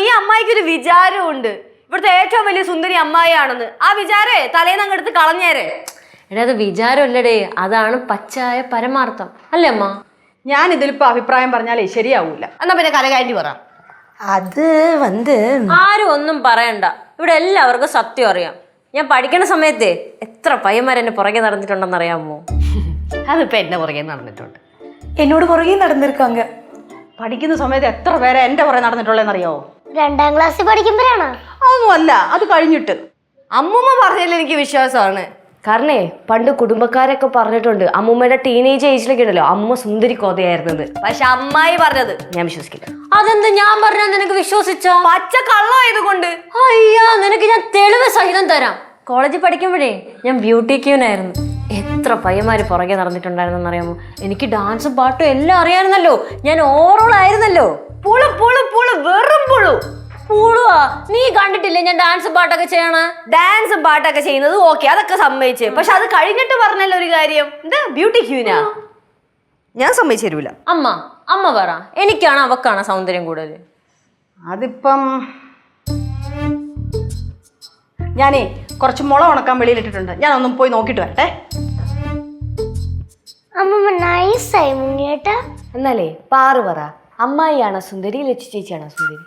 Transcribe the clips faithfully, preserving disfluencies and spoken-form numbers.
ഈ അമ്മായിക്ക് ഒരു വിചാരമുണ്ട് ഇവിടുത്തെ ഏറ്റവും വലിയ സുന്ദരി അമ്മായിയാണെന്ന്. ആ വിചാരേ തലേന്ന് അങ്ങ് എടുത്ത് കളഞ്ഞേരെ. എടാ അത് വിചാരമല്ലടേ, അതാണ് പച്ചായ പരമാർത്ഥം അല്ലേ അമ്മ? ഞാൻ ഇതിലിപ്പോ അഭിപ്രായം പറഞ്ഞാലേ ശരിയാവൂല. എന്നാ പിന്നെ കലകാരി പറ. അത് വന്ന് ആരും ഒന്നും പറയണ്ട, ഇവിടെ എല്ലാവർക്കും സത്യം അറിയാം. ഞാൻ പഠിക്കുന്ന സമയത്തെ എത്ര പയ്യന്മാരെന്നെ പുറകെ നടന്നിട്ടുണ്ടെന്ന് അറിയാമോ? അതിപ്പോ എന്നെ പുറകെ നടന്നിട്ടുണ്ട്. എന്നോട് പുറകെ നടന്നിരിക്കാങ്ക. പഠിക്കുന്ന സമയത്ത് എത്ര പേരെ എന്റെ പുറകെ നടന്നിട്ടുള്ളതെന്നറിയാവോ? രണ്ടാം ക്ലാസ്സിൽ പഠിക്കുമ്പോഴാണോ? അതൊന്നും അല്ല, അത് കഴിഞ്ഞിട്ട്. അമ്മൂമ്മ പറഞ്ഞതിൽ എനിക്ക് വിശ്വാസമാണ്. കാരണേ പണ്ട് കുടുംബക്കാരൊക്കെ പറഞ്ഞിട്ടുണ്ട് അമ്മൂമ്മയുടെ ടീനേജ് ഏജിലൊക്കെ ഉണ്ടല്ലോ അമ്മ സുന്ദരി കോതയായിരുന്നത്. പക്ഷെ അമ്മായി പറഞ്ഞത് ഞാൻ വിശ്വസിക്കില്ല. അതെന്ത് ഞാൻ പറഞ്ഞാൽ നിനക്ക് വിശ്വസിച്ചോ? പച്ച കള്ളമായതുകൊണ്ട്. അയ്യാ, നിനക്ക് ഞാൻ തെളിവ് സഹിതം തരാം. കോളേജിൽ പഠിക്കുമ്പോഴേ ഞാൻ ബ്യൂട്ടി ക്യൂനായിരുന്നു. എത്ര പയ്യന്മാര് പുറകെ നടന്നിട്ടുണ്ടായിരുന്നെന്ന് അറിയാമോ? എനിക്ക് ഡാൻസും പാട്ടും എല്ലാം അറിയാമായിരുന്നല്ലോ. ഞാൻ ഓവറോൾ ആയിരുന്നല്ലോ. പുളു പുളു പുളു വെറും പുളു. പൂളുവാ? നീ കണ്ടിട്ടില്ലേ ഞാൻ ഡാൻസും പാട്ടൊക്കെ ചെയ്യണ? ഡാൻസും പാട്ടൊക്കെ ചെയ്യുന്നത് ഓക്കെ, അതൊക്കെ സമ്മതിച്ചേ. പക്ഷെ അത് കഴിഞ്ഞിട്ട് പറഞ്ഞല്ലോ ഒരു കാര്യം, എന്താ ബ്യൂട്ടി ക്യൂനാ. ഞാൻ സമ്മതിച്ചു തരൂല. അമ്മ അമ്മ പറ, എനിക്കാണ് അവക്കാണ് സൗന്ദര്യം കൂടുതൽ? അതിപ്പം ഞാനേ കുറച്ച് മുള ഉണക്കാൻ വെളിയിലിട്ടിട്ടുണ്ട്, ഞാൻ ഒന്നും പോയി നോക്കിട്ട് വരട്ടെ. അമ്മമ്മ നൈസായി മുങ്ങിയേട്ടാ. എന്നാലേ പാറു പറ, അമ്മായിയാണോ സുന്ദരി ലച്ചു ചേച്ചിയാണോ സുന്ദരി?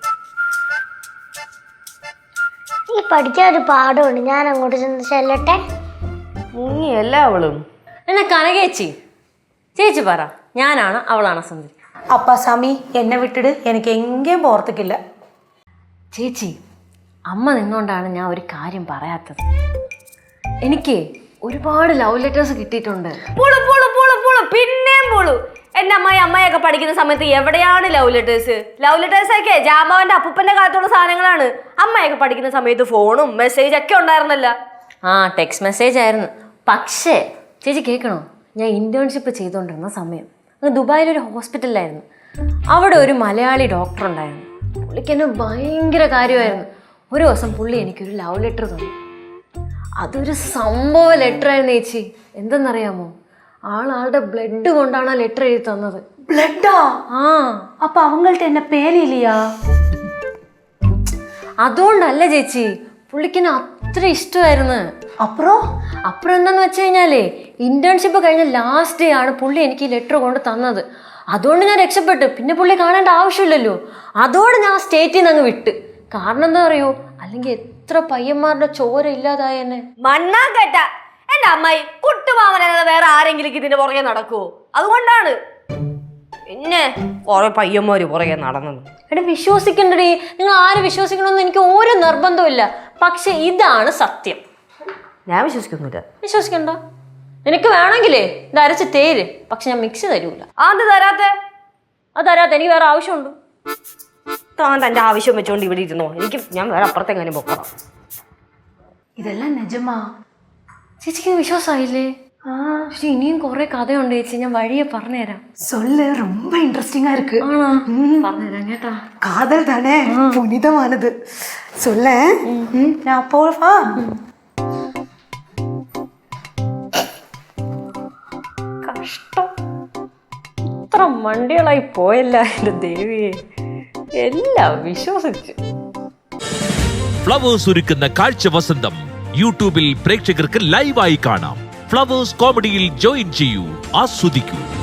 ഈ പഠിക്കാൻ ഒരു പാഠമുണ്ട്, ഞാൻ അങ്ങോട്ട് ചെന്ന് ചെല്ലട്ടെ. മുങ്ങിയല്ല അവളും. എന്നെ കനകേച്ചി ചേച്ചി പറ, ഞാനാണ് അവളാണ് സുന്ദരി? அப்பா சாமி എന്നെ വിട്ടിട്, എനിക്ക് എങ്കേയും പോർത്തിക്കില്ല. ചേച്ചി, അമ്മ നിന്നോണ്ടാണ് ഞാൻ ഒരു കാര്യം പറയാത്തത്. എനിക്ക് ഒരുപാട് ലവ് ലെറ്റേഴ്സ് കിട്ടിയിട്ടുണ്ട്. പുളു പുളു പുളു പുളു പിന്നെയും പുളു. എന്റെ അമ്മായി അമ്മയൊക്കെ പഠിക്കുന്ന സമയത്ത് എവിടെയാണ് ലവ് ലെറ്റേഴ്സ്? ലവ് ലെറ്റേഴ്സ് ഒക്കെ ജാമാവന്റെ അപ്പൂപ്പന്റെ കാലത്തുള്ള സാധനങ്ങളാണ്. അമ്മയൊക്കെ പഠിക്കുന്ന സമയത്ത് ഫോണും മെസ്സേജ് ഒക്കെ ഉണ്ടായിരുന്നല്ല. ആ ടെക്സ്റ്റ് മെസ്സേജ് ആയിരുന്നു. പക്ഷേ ചേച്ചി കേൾക്കണോ, ഞാൻ ഇന്റേൺഷിപ്പ് ചെയ്തുകൊണ്ടിരുന്ന സമയം അങ്ങ് ദുബായിലൊരു ഹോസ്പിറ്റലിലായിരുന്നു. അവിടെ ഒരു മലയാളി ഡോക്ടർ ഉണ്ടായിരുന്നു. പുള്ളിക്ക് എന്നെ ഭയങ്കര കാര്യമായിരുന്നു. ഒരു ദിവസം പുള്ളി എനിക്കൊരു ലവ് ലെറ്റർ തന്നു. അതൊരു സംഭവ ലെറ്റർ ആയിരുന്നു ചേച്ചി. എന്തെന്നറിയാമോ? ആളാളുടെ ബ്ലഡ് കൊണ്ടാണ് ആ ലെറ്റർ എഴുതി തന്നത്. ബ്ലഡാ? ആ. അപ്പൊ അവங்கள்ட்ட എന്നെ പേലില്ലയാ? അതുകൊണ്ടല്ല ചേച്ചി, പുള്ളിക്കിനെ അത്ര ഇഷ്ടമായിരുന്നു. അപ്പുറം അപ്പുറം എന്താന്ന് വെച്ച് കഴിഞ്ഞാലേ ഇന്റേൺഷിപ്പ് കഴിഞ്ഞ ലാസ്റ്റ് ഡേ ആണ് പുള്ളി എനിക്ക് ഈ ലെറ്റർ കൊണ്ട് തന്നത്. അതുകൊണ്ട് ഞാൻ രക്ഷപ്പെട്ടു. പിന്നെ പുള്ളി കാണേണ്ട ആവശ്യമില്ലല്ലോ. അതോടെ ഞാൻ സ്റ്റേറ്റിൽ നിന്ന് അങ്ങ് വിട്ട്. കാരണം എന്താ അറിയോ, അല്ലെങ്കിൽ എത്ര പയ്യന്മാരുടെ ചോര ഇല്ലാതായ എന്നെ. മണ്ണാ കേട്ട എന്റെ അമ്മായി കുട്ടുമാമനല്ലാതെ വേറെ ആരെങ്കിലും ഇതിന്റെ പുറകെ നടക്കുവോ? അതുകൊണ്ടാണ് പിന്നെ കുറെ പയ്യന്മാര് പുറകെ നടന്നത്. എടാ വിശ്വസിക്കണ്ടേ, നിങ്ങൾ ആര് വിശ്വസിക്കണമെന്ന് എനിക്ക് ഒരു നിർബന്ധമില്ല. പക്ഷെ ഇതാണ് സത്യം. ഞാൻ വിശ്വസിക്കുന്നില്ല. വിശ്വസിക്കണ്ട. എനിക്ക് വേണമെങ്കിലേ ഇത് അരച്ച് തേര്, പക്ഷെ ഞാൻ മിക്സ് തരൂല. അത് തരാത്ത അത് തരാത്ത എനിക്ക് വേറെ ആവശ്യമുണ്ട്. താൻ തന്റെ ആവശ്യം വെച്ചോണ്ട് ഇവിടെ ഇരുന്നോ, എനിക്ക് ഞാൻ വേറെ അപ്പുറത്തെങ്ങനെ പോക്കണം. ഇതെല്ലാം നിജമാ? ചേച്ചിക്ക് വിശ്വാസമായില്ലേ? ആ, പക്ഷെ ഇനിയും കുറെ കഥയുണ്ട് ചേച്ചി, ഞാൻ വഴിയെ പറഞ്ഞുതരാം. சொல்லு, ரொம்ப இன்ட்ரெஸ்டிங்கா இருக்கு. ആണോ? പറഞ്ഞുതരാം കേട്ടാ. காதல் தானே, புனிதமானது. சொல்ல நான் போவா? കഷ്ടം, ഇത്ര മണ്ടികളായി പോയല്ല എന്റെ ദേവിയെ. എല്ലാം വിശ്വസിച്ചു. ഫ്ലവേഴ്സ് ഒരുക്കുന്ന കാഴ്ച വസന്തം യൂട്യൂബിൽ പ്രേക്ഷകർക്ക് ലൈവായി കാണാം. ഫ്ലവേഴ്സ് കോമഡിയിൽ ജോയിൻ ചെയ്യൂ, ആസ്വദിക്കൂ.